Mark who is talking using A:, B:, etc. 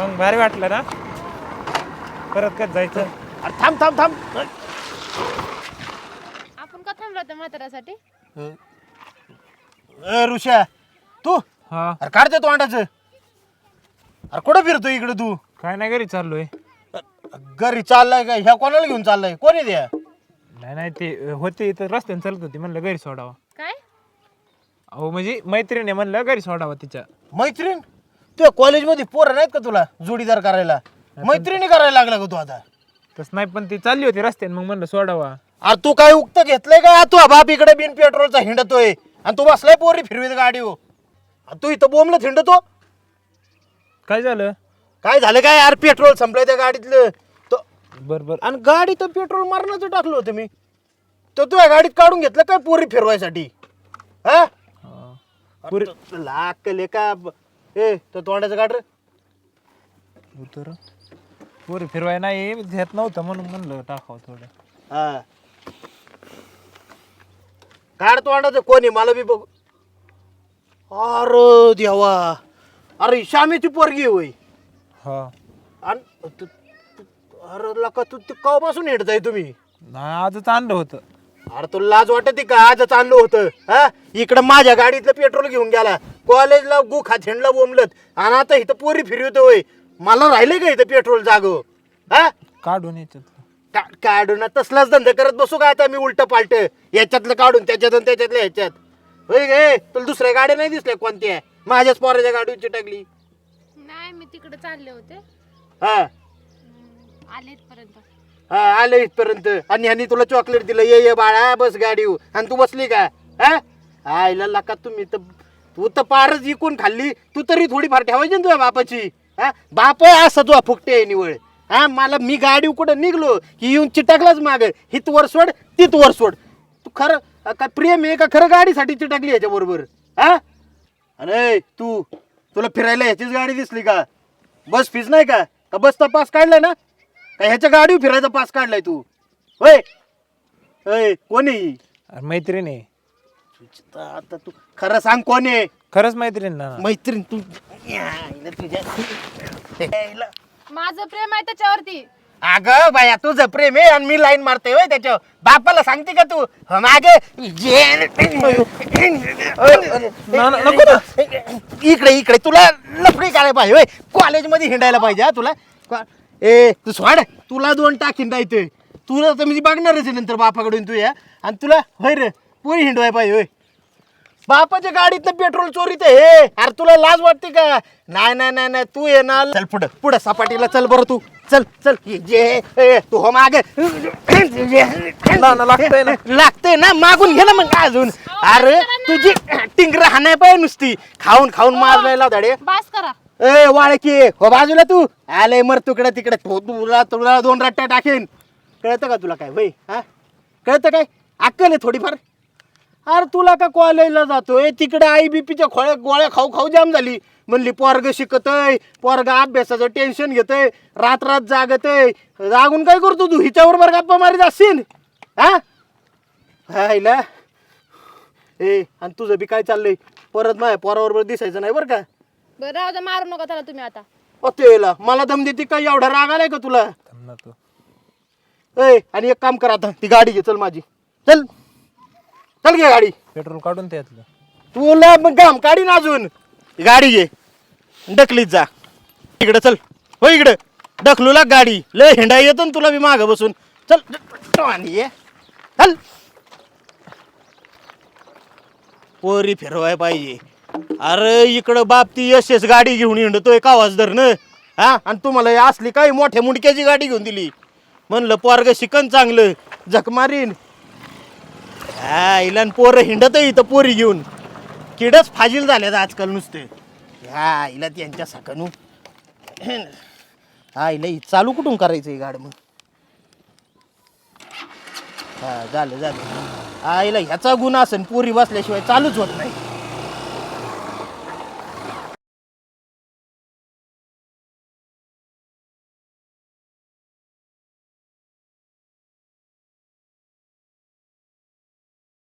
A: मग भारी वाटलं ना परत कधी जायचं.
B: अरे थांब थांब थांब.
C: आपण का थांबलो होतो म्हाताऱ्यासाठी?
B: ऋषा तू
A: हा
B: अरे काढते तोंडाचं. अरे कुठं फिरतो इकडे तू?
A: काय नाही घरी चाललोय.
B: घरी चाललाय का? ह्या कोणाला घेऊन चाललाय? कोणी द्या?
A: नाही नाही ते होते इथं रस्त्याने चालत होती म्हणलं घरी सोडावा.
C: काय?
A: अहो म्हणजे मैत्रिणी म्हणलं घरी सोडावा तिच्या.
B: मैत्रीण? तुझ्या कॉलेजमध्ये पोरं नाहीत का तुला जोडीदार करायला? मैत्रिणी करायला लागला का तू आता?
A: तस नाही पण ती चालली होती रस्त्याने मग म्हणलं सोडावा.
B: अरे तू काय उक्त घेतलंय का? तू बाप इकडे बिन पेट्रोलचा हिंडतोय आणि तू बसलाय पोरी फिरवीत गाडी हो. तू इथं बोंबलत हिंडतो.
A: काय झालं?
B: काय झालं काय यार? पेट्रोल संपलंय त्या गाडीतलं.
A: बर बर.
B: आणि गाडी तर पेट्रोल मारण्याचं टाकलं होतं मी. तर तू या गाडीत काढून घेतलं काय पोरी फिरवायसाठी? हा लाकले का? ए तो तोंडाचं काढ रे.
A: उतर पोरी फिरवाय नाही घेत नव्हतं म्हणून म्हणलं टाकावं थोडं.
B: हा काढ तोंडाचं. कोणी मला बी बघ. अरे देवा. अरे श्यामीची पोरगी होय.
A: हा
B: आणि अरे लका तू कवापासून हिंडताय तुम्ही?
A: नाही आजच आणलं होतं.
B: अरे तुला लाज वाटते का? आजच आणलं होतं. हा इकडं माझ्या गाडीतलं पेट्रोल घेऊन गेला, कॉलेजला गुखा झेंडला बोंबलत, आणि आता इथं पोरी फिरवतोय. मला राहिले का इथं पेट्रोल जागो? हा
A: काढून याच्यात
B: काढून तसलाच धंदा करत बसू का आता मी? उलट पालट याच्यातलं काढून त्याच्यातून त्याच्यातल्या ह्याच्यात होय गे. तुला दुसऱ्या गाड्या नाही दिसल्या कोणत्या? माझ्याच पोराच्या गाडीची टाकली.
C: नाही मी तिकडे चालले होते.
B: हा
C: आले इथपर्यंत.
B: हा आलं इथपर्यंत आणि ह्यांनी तुला चॉकलेट दिलं. ये ये बाळा बस गाडी. आणि तू बसली का? हा आईला लका तुम्ही तर तू तर पारच इकून खाल्ली. तू तरी थोडीफार ठेवायची ना तुझ्या बापाची. हा बाप असं तुझा फुकटे आहे निवळ. हा मला मी गाडी कुठं निघलो की येऊन चिटाकलाच माग. हित वर सोड तित वर सोड. तू खरं काय प्रेम आहे का खरं गाडीसाठी चिटाकली ह्याच्या बरोबर? हा अरे तुला फिरायला ह्याचीच गाडी दिसली का? बस फीज नाही का? का बसचा पास काढलाय ना? का ह्याच्या गाडीवर फिरायचा पास काढलाय तू? होय होय कोणी?
A: अरे मैत्रीण आहे.
B: आता तू खरं सांग कोण आहे?
A: खरंच मैत्रीण ना.
B: मैत्रीण तू तुझ्या
C: माझं प्रेम आहे त्याच्यावरती.
B: अगं बाया तुझं प्रेम आहे आणि मी लाईन मारते होय त्याच्या बापाला सांगते का तू? मागे इकडे इकडे तुला लफडी करायला पाहिजे होय. कॉलेजमध्ये हिंडायला पाहिजे. हा तुला ए तू सोड. तुला 2 टाकीन राहते. तुला तर म्हणजे बघणारच आहे नंतर बापाकडून तू या. आणि तुला होय रे पुरी हिंडवाय पाहिजे होय. बापाच्या गाडीतनं पेट्रोल चोरीत हे. अरे तुला लाज वाटते का? नाही नाही नाही नाही तू ये ना. चल पुढं पुढं सपाटीला चल बरं. तू चल चल जे तू हो मागे लागतंय ना मागून घे ना मग अजून. अरे तुझी टिंगर हाणाय पाहिजे नुसती. खाऊन खाऊन मारलाय धडे.
C: बास करा.
B: ए वाळकी हो बाजूला. तू आले मर तुकडे तिकडे. तुला तुला 2 रट्ट्या टाकेन. कळतं का तुला काय वय? हा कळतं काय? अक्कल आहे थोडीफार? अरे तुला का कॉलेजला जातोय तिकडे आई बीपीच्या गोळ्या खाऊ खाऊ जाम झाली. म्हणली पोरग शिकतय, पोरग अभ्यासाचं टेन्शन घेतय, रात रात जागतय. जागून काय करतो तू? हिच्याबरोबर गप्पा मारीत असशील. हा हायला ए आणि तुझं बी काय चाललंय? परत माझ्या पोराबरोबर दिसायचं नाही बरं का?
C: बरं राहू द्या, मारू नका त्याला तुम्ही आता.
B: तेला मला दम देते काय? एवढा राग आलाय का तुला?
A: तू
B: ए आणि एक काम कर आता. ती गाडी घे चल माझी. चल चल घे गाडी.
A: पेट्रोल काढून त्यातलं.
B: तुला मग काम काढीन अजून. गाडी घे ढकलीत जा. इकडे चल हो इकडे ढकलू लाग गाडी. लय हिंडा येतो ना तुला बी मागं बसून. चल ये चल. पोरी फिरवाय पाहिजे. अरे इकडं बाप ती यशेस गाडी घेऊन हिंडतोय कावाच धरणं. हा आणि तुम्हाला असली काही मोठ्या मुंडक्याची गाडी घेऊन दिली. म्हणलं पोरग शिकन चांगलं झक मारीन. हा इला पोरं हिंडत इथं पोरी घेऊन. किडच फाजील झाल्यात आजकाल नुसते. हा इला त्यांच्या सकाळू हा इला चालू कुठून करायचं गाड मग? हा झालं झालं. हा इला ह्याचा गुन्हा असेल पोरी बसल्याशिवाय चालूच होत नाही.